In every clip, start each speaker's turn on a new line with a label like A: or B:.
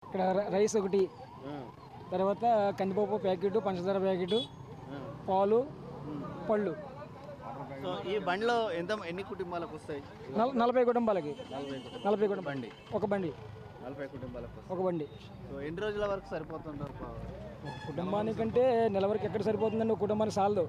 A: ఇక్కడ రైస్ ఒకటి, తర్వాత కందిపప్పు ప్యాకెట్, పంచదార ప్యాకెట్, పాలు, పళ్ళు.
B: సో ఈ బండిలో ఎన్ని కుటుంబాలకు వస్తాయి?
A: 40 కుటుంబాలకి. 40 కుటుంబం
B: బండి,
A: ఒక బండి,
B: 40 కుటుంబాలకు వస్తాయి.
A: ఒక బండి.
B: సో ఎన్ని రోజుల వరకు సరిపోతుంటారు?
A: కుటుంబానికంటే నెల వరకు ఎక్కడ సరిపోతుందండి? ఒక కుటుంబానికి సాలదు.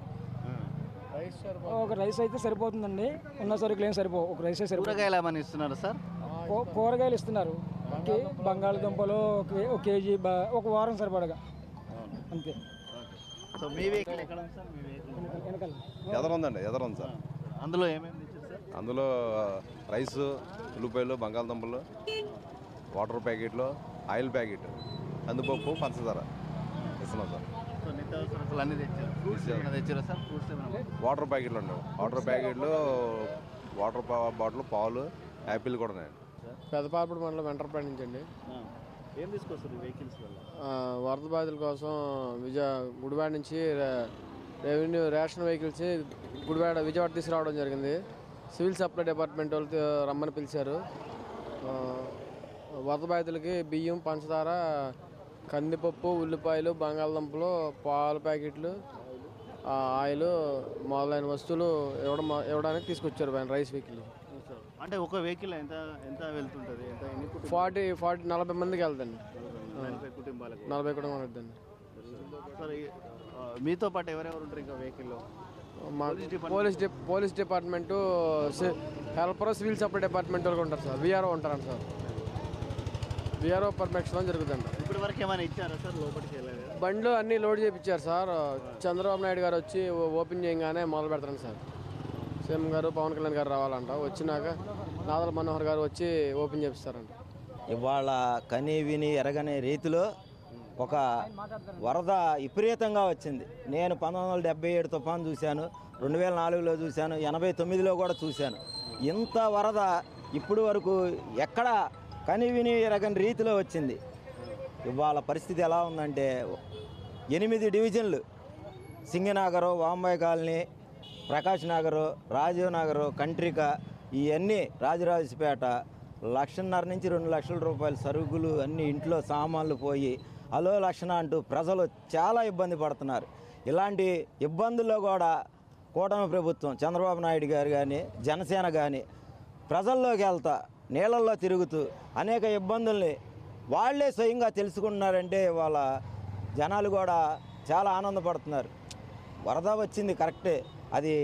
A: ఒక రైస్ అయితే సరిపోతుందండి. ఉన్న సరుకులు ఏం సరిపోవు, ఒక రైసే సరిపోతుంది.
B: కూరగాయలు ఏమైనా ఇస్తున్నారు సార్?
A: కూరగాయలు ఇస్తున్నారు. బంగాళదుంపలు ఒక కేజీ, ఒక వారం సరిపడగా అంతే.
B: సో మీ వెహికల్ ఎక్కడ ఉంది సార్? మీ వెహికల్
A: వెనకాల
C: ఎదరుందండి, ఎదరుంది సార్.
B: అందులో ఏమేమి తెచ్చారు సార్?
C: అందులో రైస్, ఉల్లిపాయలు, బంగాళదుంపలు, వాటర్ ప్యాకెట్లు, ఆయిల్ ప్యాకెట్, కందిపప్పు, పంచదార ఇస్తున్నాం సార్.
B: సో నిత్యావసరాలు అన్నీ తెచ్చారు. ఫ్రూట్స్ ఏమైనా తెచ్చారా సార్? ఫ్రూట్స్ ఏమైనా?
C: వాటర్ ప్యాకెట్లు అండి, వాటర్ ప్యాకెట్లు, వాటర్ బాటిల్, పాలు, యాపిల్ కూడా ఉన్నాయండి.
D: పెదపాపడి మండలం వెంటర్పేట నుంచి అండి.
B: ఏం తీసుకొస్తారు వెహికల్స్ వల్ల?
D: వరద బాధితుల కోసం గుడివాడ నుంచి రెవెన్యూ రేషన్ వెహికల్స్ విజయవాడ తీసుకురావడం జరిగింది. సివిల్ సప్లై డిపార్ట్మెంట్ వాళ్ళు రమ్మని పిలిచారు. వరద బాధితులకి బియ్యం, పంచదార, కందిపప్పు, ఉల్లిపాయలు, బంగాళదుంపలు, పాల ప్యాకెట్లు, ఆయిల్ మొదలైన వస్తువులు ఇవ్వడానికి తీసుకొచ్చారు రైస్ వెహికల్.
B: అంటే ఒక వెహికల్ ఎంత ఎంత వెళ్తుంటుంది? ఎంత
D: 40 మందికి వెళ్తాండి.
B: 40 కుటుంబాలకు.
D: 40 కుటుంబాలు వెళ్తాండి.
B: సరే, మీతో పాటు ఎవరెవరు ఉంటారు ఇంకా వెహికల్లో?
D: Police department, helper, civil supply department వాళ్ళు ఉంటారు సార్. విఆర్ఓ ఉంటారండి సార్. విఆర్ఓ పర్మిషన్ జరుగుతుంది.
B: ఇప్పటి వరకు ఏమైనా ఇచ్చారా సార్? లోపలికి వెళ్ళలేదు.
D: బండ్లు అన్నీ లోడ్ చేయించారు సార్. చంద్రబాబు నాయుడు గారు వచ్చి ఓపెన్ చేయగానే మొదలు పెడతారు సార్. సీఎం గారు, పవన్ కళ్యాణ్ గారు రావాలంట. వచ్చినాక నాదల మనోహర్ గారు వచ్చి ఓపెన్ చేపిస్తారంట.
E: ఇవాళ కని విని ఎరగని రీతిలో ఒక వరద విపరీతంగా వచ్చింది. నేను 1977 తుఫాను చూశాను, 2004లో చూశాను, 89లో కూడా చూశాను. ఇంత వరద ఇప్పుడు వరకు ఎక్కడ కని విని ఎరగని రీతిలో వచ్చింది. ఇవాళ పరిస్థితి ఎలా ఉందంటే 8 డివిజన్లు, సింగనగరు, వాంబాయి కాలనీ, ప్రకాష్ నగరు, రాజీవ్ నగరు, కంట్రిక, ఇవన్నీ రాజరాజపేట 1.5 నుంచి 2 లక్షల రూపాయల సరుకులు అన్నీ ఇంట్లో సామాన్లు పోయి అలో లక్షణ అంటూ ప్రజలు చాలా ఇబ్బంది పడుతున్నారు. ఇలాంటి ఇబ్బందుల్లో కూడా కూటమి ప్రభుత్వం, చంద్రబాబు నాయుడు గారు కానీ, జనసేన కానీ ప్రజల్లోకి వెళ్తా నీళ్ళల్లో తిరుగుతూ అనేక ఇబ్బందుల్ని వాళ్ళే స్వయంగా తెలుసుకుంటున్నారంటే వాళ్ళ జనాలు కూడా చాలా ఆనందపడుతున్నారు. వరద వచ్చింది కరెక్టే, అది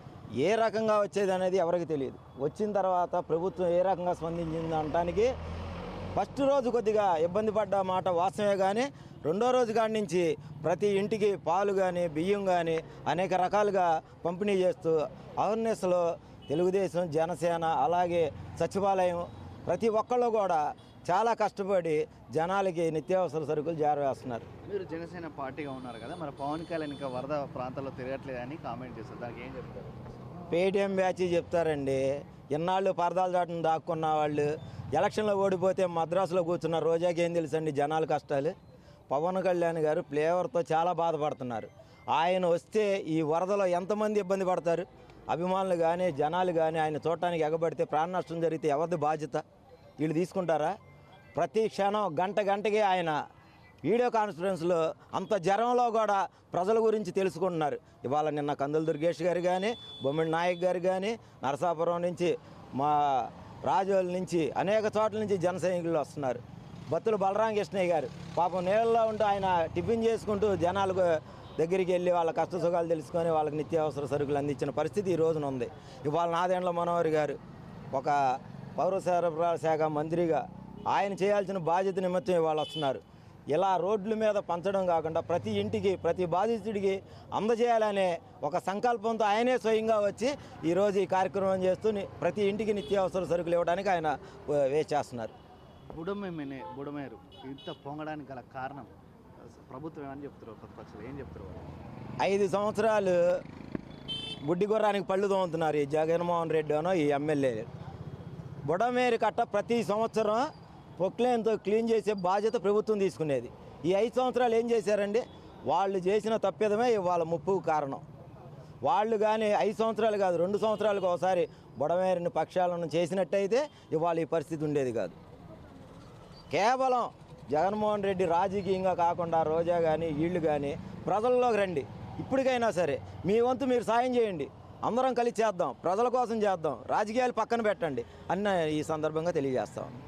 E: ఏ రకంగా వచ్చేది అనేది ఎవరికి తెలియదు. వచ్చిన తర్వాత ప్రభుత్వం ఏ రకంగా స్పందించింది అనడానికి ఫస్ట్ రోజు కొద్దిగా ఇబ్బంది పడ్డ మాట వాస్తవమే, కానీ రెండో రోజు కాడి నుంచి ప్రతి ఇంటికి పాలు కానీ, బియ్యం కానీ అనేక రకాలుగా పంపిణీ చేస్తూ అవేర్నెస్లో తెలుగుదేశం, జనసేన, అలాగే సచివాలయం ప్రతి ఒక్కళ్ళు కూడా చాలా కష్టపడి జనాలకి నిత్యావసర సరుకులు జారవేస్తున్నారు.
B: మీరు జనసేన పార్టీగా ఉన్నారు కదా, మరి పవన్ కళ్యాణ్ ఇంకా వరద ప్రాంతాల్లో తిరగట్లేదని కామెంట్ చేస్తారు, దానికి ఏం చెప్తారు?
E: పేటీఎం బ్యాచ్ చెప్తారండి. ఇన్నాళ్ళు పరదాలు దాటును దాక్కున్న వాళ్ళు ఎలక్షన్లో ఓడిపోతే మద్రాసులో కూర్చున్న రోజాకి ఏం తెలుసండి జనాల కష్టాలు. పవన్ కళ్యాణ్ గారు ఫ్లేవర్తో చాలా బాధపడుతున్నారు. ఆయన వస్తే ఈ వరదలో ఎంతమంది ఇబ్బంది పడతారు? అభిమానులు కానీ, జనాలు కానీ ఆయన చూడటానికి ఎగబడితే ప్రాణ నష్టం జరిగితే ఎవరిది బాధ్యత? వీళ్ళు తీసుకుంటారా? ప్రతి క్షణం గంటకి ఆయన వీడియో కాన్ఫరెన్స్లో అంత జ్వరంలో కూడా ప్రజల గురించి తెలుసుకుంటున్నారు. ఇవాళ నిన్న కందుల దుర్గేష్ గారు కానీ, బొమ్మిడి నాయక్ గారు కానీ, నరసాపురం నుంచి, మా రాజోల నుంచి, అనేక చోట్ల నుంచి జన సైనికులు వస్తున్నారు. బత్తుల బలరామకృష్ణయ్య గారు పాపం నీళ్ళలో ఉంటూ ఆయన టిఫిన్ చేసుకుంటూ జనాలకు దగ్గరికి వెళ్ళి వాళ్ళ కష్ట సుఖాలు తెలుసుకొని వాళ్ళకి నిత్యావసర సరుకులు అందించిన పరిస్థితి ఈ రోజున ఉంది. ఇవాళ నాదెండ్ల మనోహర్ గారు ఒక పౌర సరఫరాల శాఖ మంత్రిగా ఆయన చేయాల్సిన బాధ్యత నిమిత్తం ఇవాళ వస్తున్నారు. ఇలా రోడ్ల మీద పంచడం కాకుండా ప్రతి ఇంటికి, ప్రతి బాధితుడికి అందజేయాలనే ఒక సంకల్పంతో ఆయనే స్వయంగా వచ్చి ఈరోజు ఈ కార్యక్రమం చేస్తూ ప్రతి ఇంటికి నిత్యావసర సరుకులు ఇవ్వడానికి ఆయన వేచి చేస్తున్నారు.
B: బుడమేరు ఇంత పొంగడానికి గల కారణం ప్రభుత్వం ఏమని చెప్తారు? ప్రతిపక్షాలు ఏం చెప్తారు?
E: 5 సంవత్సరాలు గుడ్డి గుర్రానికి పళ్ళు తోముతున్నారు ఈ జగన్మోహన్ రెడ్డి అనో ఈ ఎమ్మెల్యే. బుడమేరు కట్ట ప్రతి సంవత్సరం పొక్లేన్తో క్లీన్ చేసే బాధ్యత ప్రభుత్వం తీసుకునేది. ఈ 5 సంవత్సరాలు ఏం చేశారండి? వాళ్ళు చేసిన తప్పిదమే ఇవాళ ముప్పుకు కారణం. వాళ్ళు కానీ 5 సంవత్సరాలు కాదు, 2 సంవత్సరాలకు ఒకసారి బుడమేరుని పక్షాలను చేసినట్టయితే ఇవాళ ఈ పరిస్థితి ఉండేది కాదు. కేవలం జగన్మోహన్ రెడ్డి రాజకీయంగా కాకుండా రోజా కానీ వీళ్ళు కానీ ప్రజల్లోకి రండి. ఇప్పటికైనా సరే మీ వంతు మీరు సాయం చేయండి. అందరం కలిసి చేద్దాం, ప్రజల కోసం చేద్దాం, రాజకీయాలు పక్కన పెట్టండి అన్న ఈ సందర్భంగా తెలియజేస్తాం.